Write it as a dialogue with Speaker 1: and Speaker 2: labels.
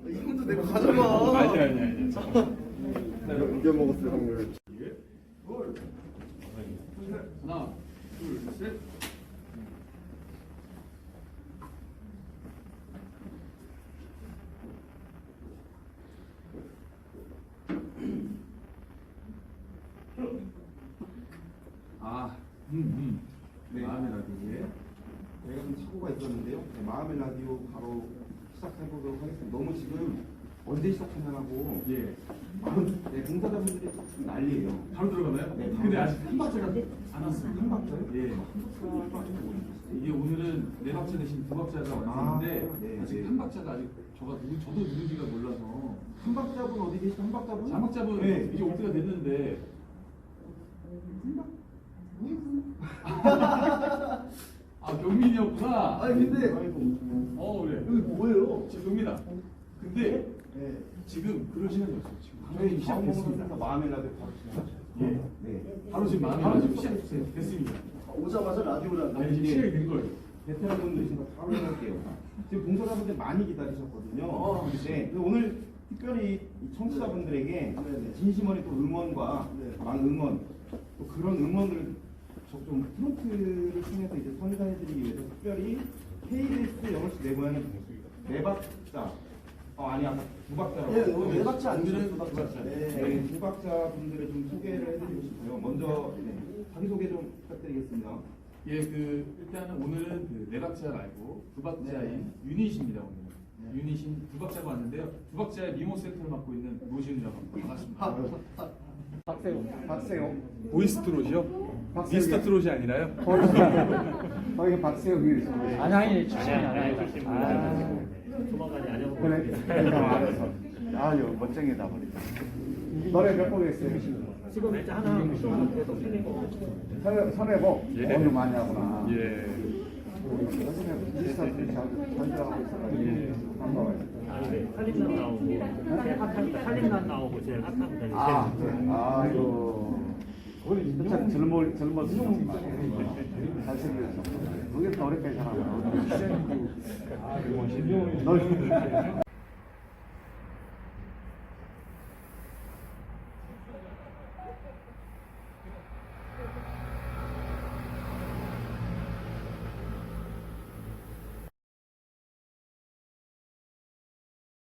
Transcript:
Speaker 1: 이것도 내가 가져가.
Speaker 2: 아니.
Speaker 1: 이겨 먹었을 확률.
Speaker 2: 하나, 둘, 셋.
Speaker 3: 네.
Speaker 2: 마음의 라디오에
Speaker 3: 제가 좀 사고가 있었는데요. 네, 마음의 라디오 바로 시작해보도록 하겠습니다. 너무 지금 언제 시작하냐고 봉사자분들이 지금 난리예요.
Speaker 2: 바로 들어가나요?
Speaker 3: 네,
Speaker 2: 근데 아직 한 박자가 안 왔습니다.
Speaker 3: 한 박자요?
Speaker 2: 예. 이게 오늘은 네 박자 대신 두 박자가 왔는데
Speaker 3: 네,
Speaker 2: 아직
Speaker 3: 네.
Speaker 2: 한 박자가 아직 저도 누군지가 몰라서
Speaker 3: 한 박자분 어디 계시죠? 한 박자분?
Speaker 2: 자막자분
Speaker 3: 네.
Speaker 2: 이제 올 때가 됐는데 경민이었구나.
Speaker 1: 아니 근데
Speaker 2: 그래.
Speaker 1: 여기 뭐예요?
Speaker 2: 지금 경민아. 근데
Speaker 1: 네.
Speaker 2: 지금 그럴 시간이 없어. 지금
Speaker 3: 저희
Speaker 2: 방송이 시작됐습니다.
Speaker 3: 시작했습니다. 마음의 라디오 바로 시작하죠.
Speaker 2: 예.
Speaker 3: 네.
Speaker 2: 바로 지금 마음이
Speaker 3: 바로
Speaker 2: 지금
Speaker 3: 지금
Speaker 2: 시작됐습니다.
Speaker 1: 오자마자 라디오를
Speaker 2: 아니 지금 시작이 된 거예요.
Speaker 3: 베테랑분들 지금 바로 해볼게요. 지금 봉사자분들 많이 기다리셨거든요. 네. 근데 오늘 특별히 이 청취자분들에게 진심 어린 또 응원과 응원 또 그런 응원을 좀 프론트를 통해서 이제 선사해드리기 위해서 특별히 KBS 영어식 내 고향의 네 박자 아니 아까 두 박자라고
Speaker 1: 네, 네 박자 아니죠?
Speaker 2: 오늘은
Speaker 1: 두 박자.
Speaker 2: 두 박자.
Speaker 1: 네.
Speaker 3: 두 박자 분들을 좀 소개를 해드리고 싶어요. 먼저 자기소개 좀 부탁드리겠습니다.
Speaker 2: 예, 일단은 오늘은 네 박자 말고 두 박자인 유닛입니다. 오늘 유닛인 두 박자가 왔는데요. 두 박자의 미모 세트를 맡고 있는 노지훈이라고 합니다. 반갑습니다.
Speaker 1: 박세용.
Speaker 2: 보이스트롯이요?
Speaker 1: 박세웅.
Speaker 2: 미스터 트롯이 아니라요?
Speaker 1: 거기 박세용이 있어.
Speaker 4: 아니 출신이 아니에요.
Speaker 5: 조만간에 안녕.
Speaker 1: 그래. 알았어. 아유 멋쟁이다 버리. 노래 몇 곡 했어요?
Speaker 5: 지금 일단 하나 계속 틀리고.
Speaker 1: 선해보.
Speaker 2: 예.
Speaker 1: 오늘 많이 하구나.
Speaker 2: 예.
Speaker 1: 요즘에 비슷한 전들하고 있어가지고 반가워요.
Speaker 5: 아니 살림난 나오고 제일 핫하니까 살림난 나오고 제일 핫한 분이
Speaker 1: 아이고. 우리 참 젊었을 정말 잘생겼어. 그게 더 어렵게 살아.